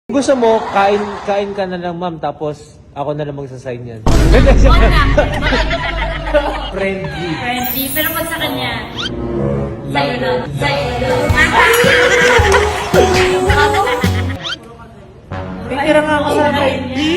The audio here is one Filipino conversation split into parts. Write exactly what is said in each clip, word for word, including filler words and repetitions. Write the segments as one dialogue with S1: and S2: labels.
S1: Gusto mo, kain kain ka na lang ma'am, tapos ako na lang magsasign yan.
S2: Huwag na.
S1: Friendly.
S2: Friendly. Pero pag sa kanya, sa'yo na. Sa'yo na.
S1: Titira nga ako sa akin.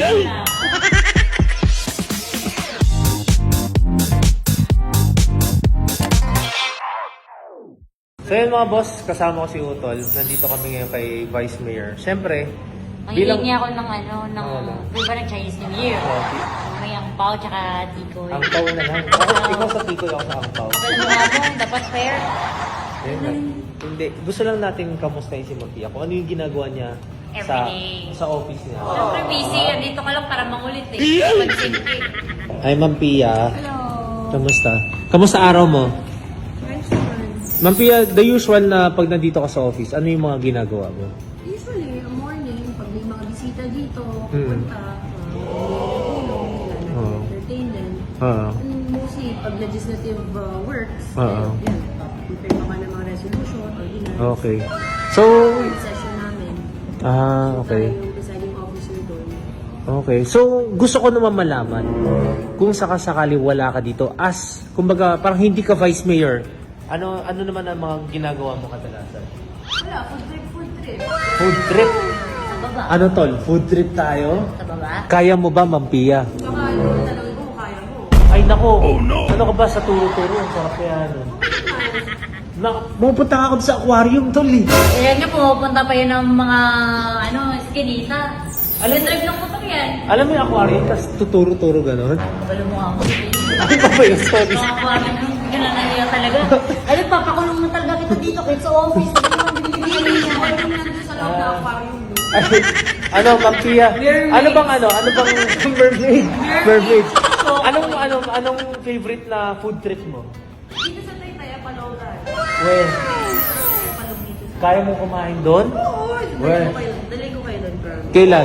S1: So yun mga boss, kasama ko si Utol. Nandito kami ngayon kay Vice Mayor. Siyempre,
S2: Ang hiling niya ako ng ano, ng,
S1: Ano?
S2: di ba ng Chinese New Year?
S1: Oh,
S2: May ang pao tsaka tikoy.
S1: ang pao na lang. Ako, ikaw sa tikoy, ako sa ang pao.
S2: Kapal mo nga mo, dapat fair.
S1: Ayun lang. Hindi, gusto lang natin kamustahin si Matia. Kung ano yung ginagawa niya sa
S2: Everyday.
S1: sa office niya.
S2: Siyempre busy, andito ka lang para mangulit eh. Pag-simple.
S1: Ay, Ma'am Pia.
S2: Hello.
S1: Kamusta? Kamusta araw mo? Ma'am Pia, the usual na pag nandito ka sa office, ano yung mga ginagawa mo?
S3: Usually, morning, pag may mga bisita dito,
S1: Mm.
S3: pupunta, uh, tulong, kailangan
S1: Oo.
S3: entertain them.
S1: Oo.
S3: And mostly, pag legislative uh, works,
S1: Oo.
S3: yun, prepare pa ng mga resolution, ordinance.
S1: Okay. So,
S3: Yung session namin.
S1: ah, okay.
S3: Tayo yung deciding officer doon.
S1: Okay. So, gusto ko naman malaman kung sakasakali wala ka dito as, kumbaga, parang hindi ka vice mayor, ano ano naman ang mga ginagawa mo kadalasan?
S3: Wala, food trip, food trip.
S1: Food trip?
S2: Sa baba.
S1: Ano tol? Food trip tayo?
S2: Sa baba.
S1: Kaya mo ba, Ma'am Pia?
S3: Baka yung tanongin mo, kaya mo.
S1: Ay nako, ano ka ba sa turo-turo? Ang sarap kaya ano? Na, pupunta ka ako sa aquarium tol eh.
S2: Ayan niyo, pumupunta pa yun ng mga, ano, skinita.
S1: Alam-
S2: Alam drive lang po kami yan.
S1: Alam mo yung aquarium, tapos tuturo-turo gano'n?
S2: Kapal mo nga mo.
S1: Ay ba ba yun? Sorry.
S2: Mga kuwanan nung hindi ka na nahiya talaga. Ay, papakulong na talaga kita dito kahit sa office. Hindi naman binibigyan niya.
S3: Ako yung nandun sa loob ng aquarium.
S1: Ay, ano, Ma'am Pia? Ano bang ano? Ano bang mermaid? Mermaid. Anong, anong, anong favorite na food trip mo?
S3: Dito sa Taytay, Palogan.
S1: Well,
S3: Palog dito.
S1: kaya mo kumain doon?
S3: Oo,
S1: Well.
S3: dali ko kayo, dali ko kayo doon, bro.
S1: Kailan?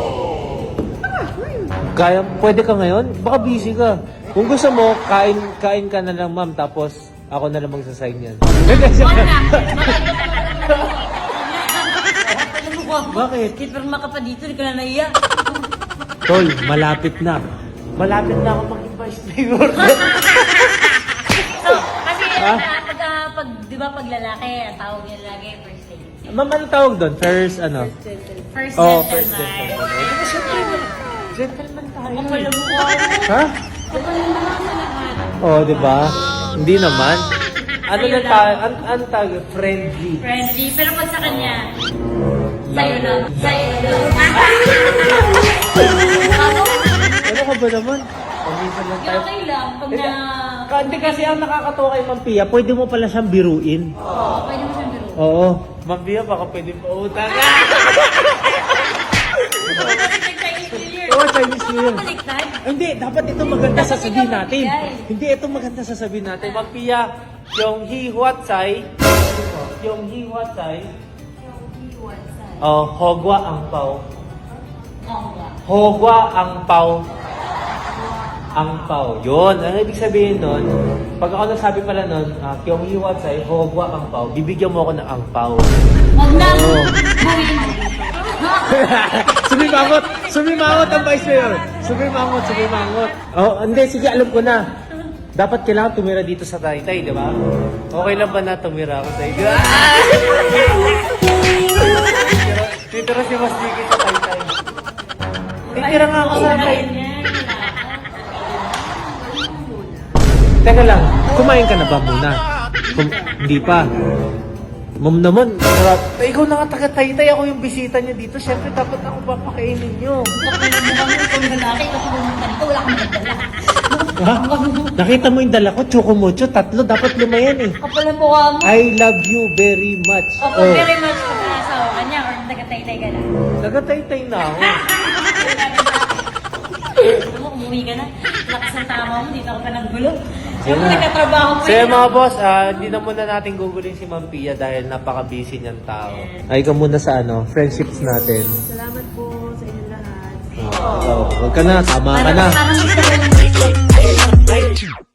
S1: Kaya, pwede ka ngayon? Baka busy ka. Kung gusto mo, kain kain ka na lang ma'am, tapos ako na lang magsasign yan.
S2: Huwag na.
S1: Bakit?
S2: Kitpirma ka pa dito, hindi ka na nahiya.
S1: Tol, malapit na. Malapit na ako maging vice mayor.
S2: So, kasi
S1: Ha?
S2: uh, pag, ah, pag, di ba pag lalaki, ang tawag niya lagi, first date.
S1: Ma'am, ano tawag doon? First, ano?
S2: First
S1: Oh,
S2: gentleman.
S1: first gentleman. Eh, syempre, gentleman tayo.
S2: Kapal
S1: eh.
S2: mo ko.
S1: Ha?
S3: Kapal yung mga sa lahat.
S1: Oh, di ba? Hindi naman. Ano
S2: Sa'yo
S1: na
S2: lang.
S1: tayo? An ang tawag? Friendly.
S2: Friendly. Pero pag sa kanya, sa'yo na. Sa'yo na. Ako,
S1: Ano ka ba naman? Paminsan lang tayo.
S2: okay lang. Pag
S1: Hindi,
S2: na...
S1: ka- Hindi kasi ang nakakatawa kay Ma'am Pia, pwede mo pala siyang biruin.
S2: Oo, pwede mo siyang biro.
S1: Oo. Ma'am Pia, baka pwede pa utang.
S2: Chinese New Year.
S1: Oo, Chinese New Year.
S2: Baliktad.
S1: Hindi, dapat ito maganda
S2: Dapat
S1: sasabihin
S2: ikaw
S1: natin.
S2: magbigay.
S1: Hindi, ito maganda sasabihin natin. Ma'am Pia, yung hi huat sai, yung hi huat sai, oh, hogwa ang pao.
S2: Oo nga.
S1: Hogwa ang pao. Ang pao. Yun. Ang ibig sabihin nun, pag ako nagsabi pala nun, uh, yung hi huat sai, hogwa ang pao, bibigyan mo ako ng ang pao.
S2: Huwag na.
S1: Oo.
S2: Buwin.
S1: Sumimangot! Sumimangot ang vice mayor! Sumimangot, sumimangot. Oh, hindi, sige, alam ko na. Dapat kailangan tumira dito sa Taytay, di ba? Okay lang ba na tumira ako sa iyo? Titira si Mas Diki sa Taytay. Titira nga ako sa Taytay. Teka lang, kumain ka na ba muna? Kum- hindi pa. Ma'am naman, sarap. Eh, ikaw na nga taga-Taytay, ako yung bisita niyo dito. Siyempre, dapat ako papakainin niyo.
S2: Kapal mo nga mo. Kung lalaki, kasi pumunta dito, wala kang magdala.
S1: Ha? Nakita mo yung dala ko, chocomocho, tatlo, dapat lima yan eh.
S2: Kapal ang mukha mo.
S1: I love you very much.
S2: Opo, very much pag naasawa ka niya or taga-taytay ka na.
S1: Taga-Taytay na ako.
S2: Ano mo, umuwi ka na. Lakas ng tama mo, dito ka pa naggulo.
S1: Yan
S2: Siyempre,
S1: na.
S2: nagkatrabaho pa
S1: So
S2: yun.
S1: yun, mga boss, ah, hindi na muna natin gugulin si Ma'am Pia dahil napaka-busy niyang tao. Ay ka muna sa ano, friendships natin.
S3: Salamat po sa inyong lahat.
S1: Oh, so, huwag ka na, tama ka na.
S2: Parang, parang gusto ko yung